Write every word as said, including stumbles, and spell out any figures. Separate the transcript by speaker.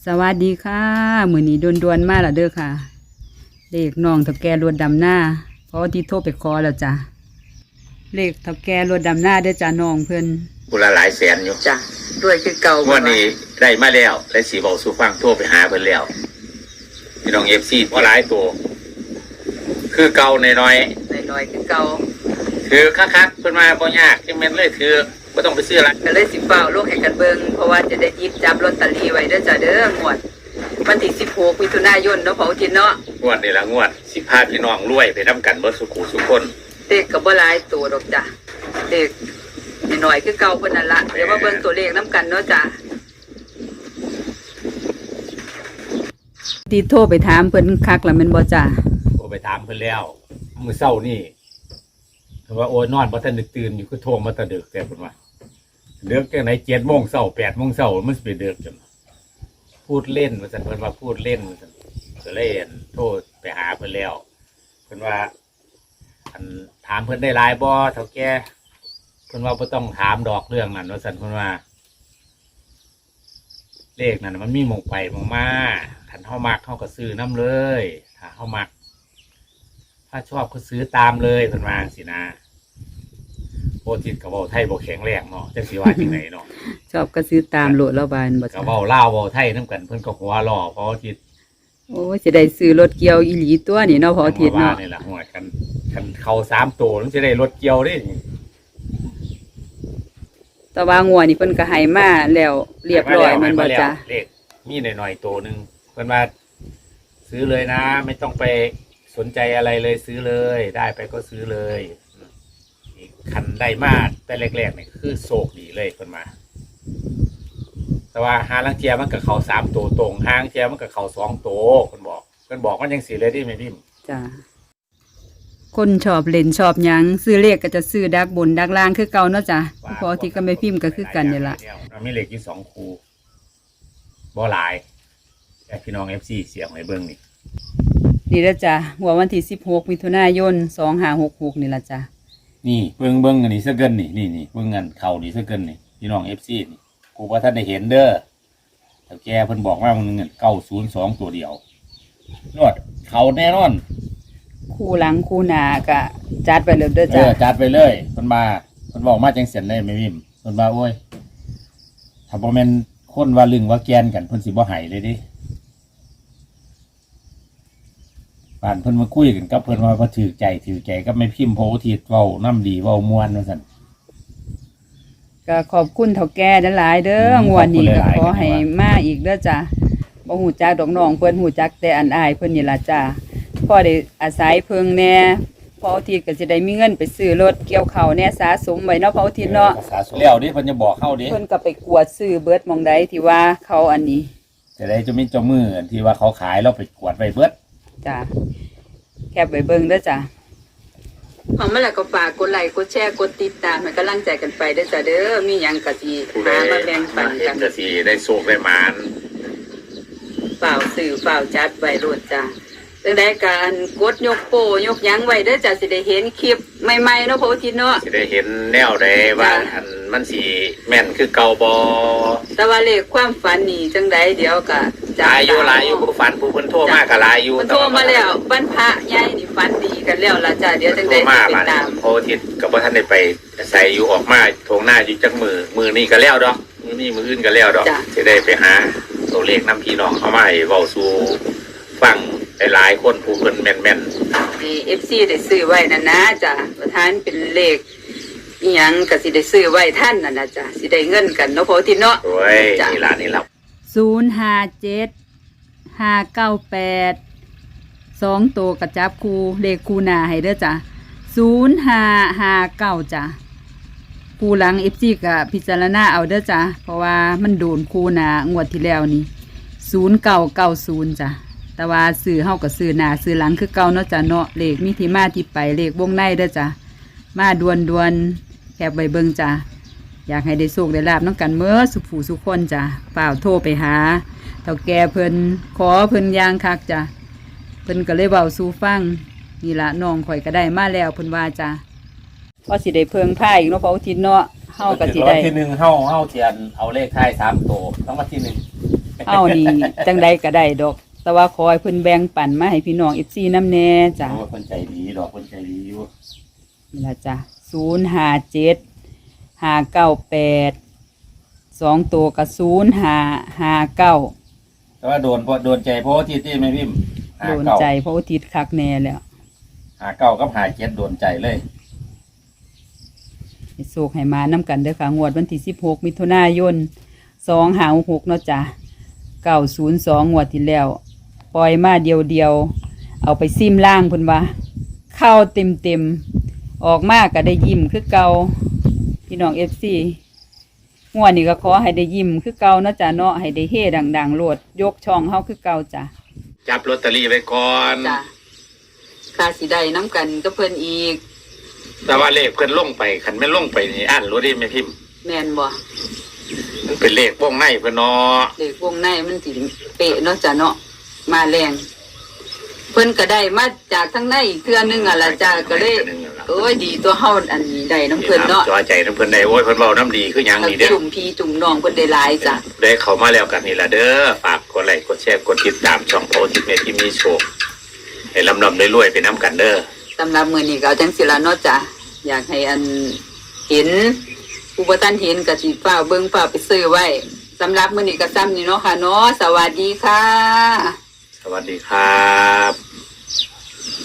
Speaker 1: สวัสดีค่ะมื้อนี้ดวนๆมาแล้วเด้อค่ะเลขน้องเฒ่าแก่รถดำหน้าเพราะที่โทรไปขอแล้วจ้ะเลขเฒ่าแก่รถดำหน้าเด้อจ้ะน้องเพิ่น
Speaker 2: บุละหลายแสนอยู่
Speaker 3: จ้ะด้วยคือเก่า
Speaker 2: วันนี้ได้มาแล้วและสีบอกสู่ฟังโทรไปหาเพิ่นแล้วพี่น้องเอฟซีว่าหลายตัวคือเก่าน้อย
Speaker 3: น้อยๆคือเก่า
Speaker 2: คือคักๆเพิ่นมาบ่ยากที่แม่นเลยคือบ่ต้องไปซื้อละ
Speaker 3: ก็เลยสิเฝ้าโลกให้กันเบิ่งเพราะว่าจะได้หยิบจับลอตเตอรี่ไว้เด้อจ้ะเด้องวดวันที่สิบหกมิถุนายนเนาะเผาจินเนาะ
Speaker 2: งวดนี่ละงวดสิพาพี่น้องรวยไปนำกันเบิดสุขุสุคน
Speaker 3: เลขก็บ่หลายตัวดอกจ้ะเลขน้อยๆคือเก่าเพิ่นนั่นล่ะเดี๋ยวมาเบิ่งตัวเลขนำกันเนาะจ้ะ
Speaker 1: ที่โทรไปถามเพิ่นคักแล้วแม่นบ่จ้ะ
Speaker 2: โทรไปถามเพิ่นแล้วมื้อเช้านี่เพิ่นว่าโอ้ยนอนบ่ทันได้ตื่นอยู่คือโทรมาแต่ดึกแต่เพิ่นว่าเลิกจังไหน เจ็ดโมงเช้า แปดโมงเช้ามันสิไปเลิกจังพูดเล่นว่าซั่นเพิ่นว่าพูดเล่นว่าซั่นก็เลยโทรไปหาเพิ่นแล้วเพิ่นว่าอันถามเพิ่นได้หลายบ่เฒ่าแก่เพิ่นว่าบ่ต้องถามดอกเรื่องนั้นว่าซั่นเพิ่นว่าเลขนั้นมันมีหม่องไปหม่องมาคันเฮามักเฮาก็ซื้อนำเลยถ้าเฮามักถ้าชอบก็ซื้อตามเลยเพิ่นว่าจังซี่นะโปรจิตก็เว้าไทยบ่แข็งแรงเนาะจังสิว่าจังได๋เนาะ
Speaker 1: ชอบก็ซื้อตามโลดแล้วบานบ่
Speaker 2: ก็เว้าลาวเว้าไทยนำกันเพิ่นก็หัวล้อเพราะจิต
Speaker 1: โอ้สิได้ซื้อรถเกี่ยวอีหลีตัวนี่เนาะพออาทิตย์เนาะ
Speaker 2: นี่ล่ะหัวกันคันเข้าสามตัวถึงสิได้รถเกี่ยวเด้
Speaker 1: แต่ว่างวดนี่เพิ่นก็ให้มาแล้วเรียบร้อยมันบ่จ้ะ
Speaker 2: เลขมีหน่อยๆตัวนึงเพิ่นว่าซื้อเลยนะไม่ต้องไปสนใจอะไรเลยซื้อเลยได้ไปก็ซื้อเลยคันได้มาแต่แรกๆเนี่ยคือโศกดีเลยเพิ่นมาแต่ว่าหาลังเทียมันกับเขาสามตัวตรงหางเทียมันกับเขาสองตัวเพิ่นบอกเพิ่นบอกมันยังสีเลยที่ไม่พิมพ์
Speaker 1: จ้ะคนชอบเล่นชอบหยังซื้อเลขก็จะซื้อดักบนดักล่างคือเก่าเนาะจ้ะพอที่ก็ไม่พิมพ์ก็คือกันนี่ล่ะ
Speaker 2: มีเลขอยู่สองคู่บ่หลายแต่พี่น้อง เอฟ ซี เสียงให้เบิ่งนี่
Speaker 1: นี่ละจ้ะหัววันที่สิบหกมิถุนายนสองห้าหกหกนี่ละจ้ะ
Speaker 2: นี่เบิ่งเบิ่งอันนี้ซะเกินนี่นี่นี่เบิ่งเงินเข่านี่ซะเกินนี่พี่น้อง เอฟ ซี นี่กูว่าท่านได้เห็นเด้อแต่แกเพิ่นบอกว่ามันเงินเก้าศูนย์สองตัวเดียวนวดเขาแน่นอน
Speaker 1: คู่หลังคู่หน้าก็จัดไปเลยเด้อจ้ะ
Speaker 2: เออจัดไปเลยเพิ่นมาเพิ่นบอกมาจังเสียนเลยไม่พิมพ์เพิ่นว่าโอ้ยถ้าบ่แม่นคนว่าลึงว่าแกนกันเพิ่นสิบ่ให้เลยดิป่านเพิ่นมาคุยกันกับเพิ่นว่าบ่ถือใจถือใจก็ไม่พิมพ์โพธิเว้าน้ำดีเว้าม่วนว่าซั่น
Speaker 1: ก็ขอบคุณเฒ่าแก่หลายๆเด้องวดนี้ก็ขอให้มาอีกเด้อจ้ะบ่ฮู้จักดอกน้องเพิ่นฮู้จักแต่อันอายเพิ่นนี่ล่ะจ้ะพอได้อาศัยเพิ่งแน่พออาทิตย์ก็สิได้มีเงินไปซื้อรถเกี่ยวข้าวแน่สะสมไว้เนาะพออาทิตย์เนาะ
Speaker 2: สะสมแล้วดิเพิ่นจะบอกเฮาดิ
Speaker 1: เพิ่นก็ไปกวดซื้อเบิดหม่องใดที่ว่าเขาอันนี้
Speaker 2: จะได้จะมีเจ้ามือที่ว่าเขาขายแล้วไปกวดไว้เบิด
Speaker 1: จ้ะแคปไว้เบิ่งเด้อจ้ะ
Speaker 3: ของมาแล้วก็ฝากกดไลค์กดแชร์กดติดตามให้กำลังใจกันไปเด้อจ้ะเด้อมีหยังก็สิหามาแบ่งปันกัน
Speaker 2: ก็สิได้โชคได้หมาน
Speaker 3: เฝ้าซื้อเฝ้าจัดไว้โลดจ้ะจังได๋การกดยกโป้ยกหยังไว้เด้อจ้ะสิได้เห็นคลิปใหม่ๆเนาะพออาทิตย์เนาะ
Speaker 2: สิได้เห็นแนวใดว่าอันมันสิแม่นคือเก่าบ่
Speaker 3: แต่ว่าเลขความฝันนี่จังได๋เดี๋ยวก็
Speaker 2: หลายอยู่หลายอยู่ผู้ฝันผู้เพิ่นโทรมาก็หลายอยู่
Speaker 3: เพิ่นโทรมาแล้ววันพระใหญ่นี่ฝันดีกันแล้วล่ะจ้ะเดี๋ยวจังได๋สิไปตาม
Speaker 2: โพธิก็บ่ทันได้ไปใส่อยู่ออกมาโถงหน้าอยู่จักมือมือนี้ก็แล้วดอกมื้อนี้มื้ออื่นก็แล้วดอกสิได้ไปหาตัวเลขนำพี่น้องเอามาให้เว้าสู่ฟังหลายๆคนผู้เพิ่นแม่น
Speaker 3: ๆนี่ เอฟ ซี ได้ซื้อไว้นั่นนะจ้ะประธานเป็นเลขอีหยังก็สิได้ซื้อไว้ท่านนั่นน่ะจ้ะสิได้เงินกันเนาะพออาทิตย์เนาะ
Speaker 2: โอ้ยนี่ล่ะนี่ล่ะ
Speaker 1: ศูนย์ ห้า เจ็ด ห้า เก้า แปดสองตัวกระจับคู่เลขคู่หน้าให้เด้อจ้ะศูนย์ ห้า ห้า เก้าจ้ะคู่หลัง เอฟ ซี ก็พิจารณาเอาเด้อจ้ะเพราะว่ามันโดนคู่หน้างวดที่แล้วนี่ศูนย์ เก้า เก้า ศูนย์จ้ะแต่ว่าซื้อเฮาก็ซื้อหน้าซื้อหลังคือเก่าเนาะจ้ะเนาะเลขมีที่มาที่ไปเลขวงในเด้อจ้ะมาดวนดวนแคบใบเบิงจ้ะอยากให้ได้โชคได้ลาบน้องกันเมื่อสุขผู้สุขคนจ้ะเปล่าโทรไปหาเฒ่าแก่เพิ่นขอเพิ่นยางคักจ้ะเพิ่นก็เลยเว้าสู่ฟังนี่ละน้องข่อยก็ได้มาแล้วเพิ่นว่าจ้ะพอสิได้เพิ่งพาอีกเนาะพออาทิตย์เนาะเฮาก็สิได้
Speaker 2: ที่หนึ่งเฮาเฮาเทียนเอาเลขท้ายสามตัวต้องมาที่หนึ่ง
Speaker 1: เฮานี่จังใดก็ได้ดอก แต่ว่าขอให้เพิ่นแบ่งปันมาให้พี่น้อง เอฟ ซี นำแน่จ้ะ
Speaker 2: โอ้คนใจดีดอกคนใจดีอยู่
Speaker 1: นี่ล่ะจ้ะศูนย์ห้าเจ็ด ห้าเก้าแปด สองตัวก็ศูนย์ห้า ห้าเก้า
Speaker 2: แต่ว่าโดนเพราะโดนใจเพราะว่าที่ที่ไม่พิมพ์หา
Speaker 1: โดน
Speaker 2: เก้า
Speaker 1: ใจเพราะอุทิศคักแน่แล้ว
Speaker 2: หาเก้ากับหาเจ็ดโดนใจเลย
Speaker 1: ให้โศกให้มานํกันเด้อค่ะงวดวันที่สิบหกมิถุนายนสองห้าหกเนาะจ้ะเก้าศูนย์สองงวดที่แล้ว ปล่อยมาเดียวเดียวๆเอาไปซิมล่างเพิ่นว่าเข้าเต็มเต็มๆออกมาก็ได้ยิ้มคือเก่าพี่น้อง เอฟ ซี งวดนี้ก็ขอให้ได้ยิ้มคือเก่าเนาะจ้ะเนาะให้ได้เฮดังๆโลดยกช่องเฮาคือเก่าจ้ะ
Speaker 2: จับลอตเตอรี่ไว้ก่อน
Speaker 3: จ้ะค่าสิได้น้ำกันก็เพิ่นอีก
Speaker 2: แต่ว่าเลขเพิ่นลงไปคันไม่ลงไปนี่อ่านรู้ดิไม่พิมพ์
Speaker 3: แม่นบ่
Speaker 2: มันเป็นเลขวงในเพิ่นเนาะ
Speaker 3: เด็กวงในมันสิเป๊ะเนาะจ้ะเนาะมาแรงเพิ่นก็ได้มาจากทั้งในอีกเทื่อนึงอ่ะล่ะจ้ะก็เลยโอ้ยดีตัวเฮาอันนี้ได้น้ำเพิ่นเนาะ
Speaker 2: จอใจน้ำเพิ่นได้โอ้ยเพิ่นเว้าน้ำดีคือหยัง
Speaker 3: ทั้ง
Speaker 2: นี่เด้อ
Speaker 3: จุ่มพี่จุ่มน้องเพิ่นได้หลายจ้ะ
Speaker 2: ได้เข้ามาแล้วกันนี่ล่ะเด้อฝากกดไลค์กดแชร์กดติดตามช่องโพสิเมที่มีโชคให้ลำๆรวยๆไปน้ำกันเด้อ
Speaker 3: สำหรับมื้อนี้ก็เอาจังสิล่ะเนาะจ้ะอยากให้อันเห็นผู้บ่ทันเห็นก็สิฟ้าวเบิ่งฟ้าวไปซื้อไว้สำหรับมื้อนี้ก็ซ้ำนี่เนาะค่ะเนาะสวัสดีค่ะ
Speaker 2: สวัสดีครับ